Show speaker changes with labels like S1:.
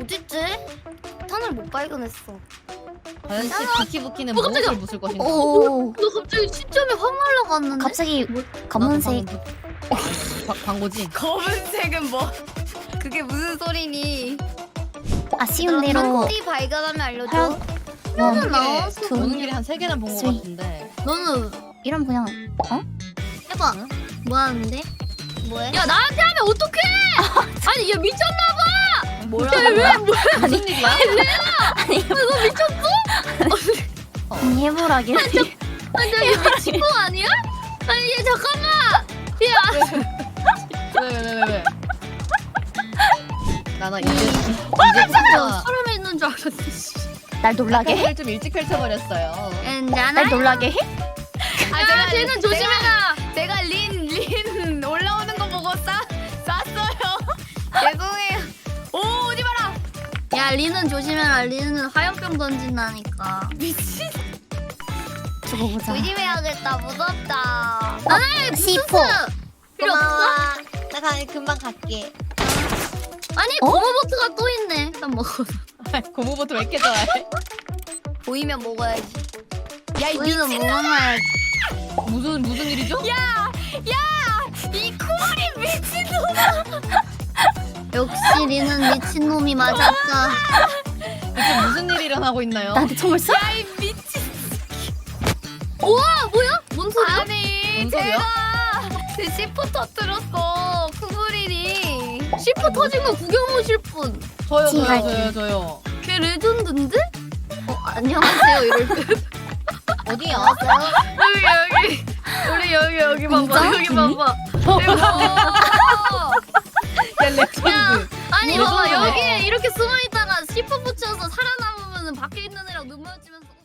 S1: 어딨지? 탄을 못 발견했어.
S2: 과연 비키부키는
S1: 깜짝이야.
S2: 무엇을 묻을 것인가?
S3: 오.
S1: 너 갑자기 시점이 확 날라갔는데?
S3: 갑자기 검은색.
S2: 광고지?
S1: 검은색은 뭐? 그게 무슨 소리니?
S3: 아쉬운 대로
S1: 한띠 발견하면 알려줘.
S3: 하얀 원,
S1: 는 나왔어.
S3: 투.
S2: 오는 길에 한 3개는 본 것
S3: 쓰리.
S2: 같은데.
S1: 너는
S3: 이런 그냥
S1: 해봐.
S2: 응?
S1: 뭐 하는데? 뭐해?
S4: 야 나한테 하면 어떡해? 아니 얘 미쳤나봐.
S1: 뭐라고?
S2: 무슨 일이야?
S3: 아니 해보라길.
S4: 아니 얘 미친 거 아니야? 아니 얘 잠깐만.
S2: 왜? 나나 이제 진짜
S4: 사람이 있는 줄 알았어.
S3: 날 놀라게 해?
S2: 을 좀 일찍 펼쳐버렸어요.
S3: 날 놀라게 해?
S4: 아 쟤는 조심해라.
S1: 제가 린 올라오는 거 보고 쐈어요. 죄송해요. 오 오지 마라.
S4: 야 리는 조심해라. 리는 화염병 던진다니까.
S1: 미친.
S3: 두고 보자.
S1: 조심해야겠다. 무섭다.
S3: C4.
S4: 필요 없어?
S1: 나 가면 금방 갈게.
S4: 아니
S3: 어?
S4: 고무보트가 또 있네. 일단 먹어.
S2: 고무보트 왜 이렇게 좋아해?
S1: 보이면 먹어야지. 야이
S4: 우리는
S1: 미친.
S4: 먹어놔야지.
S2: 무슨 일이죠?
S1: 이 코리 미친놈아.
S4: 역시 리는 미친놈이 맞았다.
S2: 이게 무슨 일이 일어나고 있나요?
S3: 나한테 총을 쏴?
S1: 야이 미친.
S4: 우와 뭐야? 뭔 소리야?
S1: 아니
S2: 뭔 소리야?
S1: 제가 C4 터뜨렸어. 쿠브린이.
S4: C4 터진 거 구경 오실 분.
S2: 저요.
S4: 걔 레전드인데? 안녕하세요 이럴 때.
S2: 어디야?
S4: 여기 우리 여기 봐봐. 여기 봐봐.
S2: 야, 레전드.
S4: 아니 봐봐
S2: 레전드네.
S4: 여기에 이렇게 숨어 있다가 C4 붙여서 살아남으면 밖에 있는 애랑 눈 마주치면서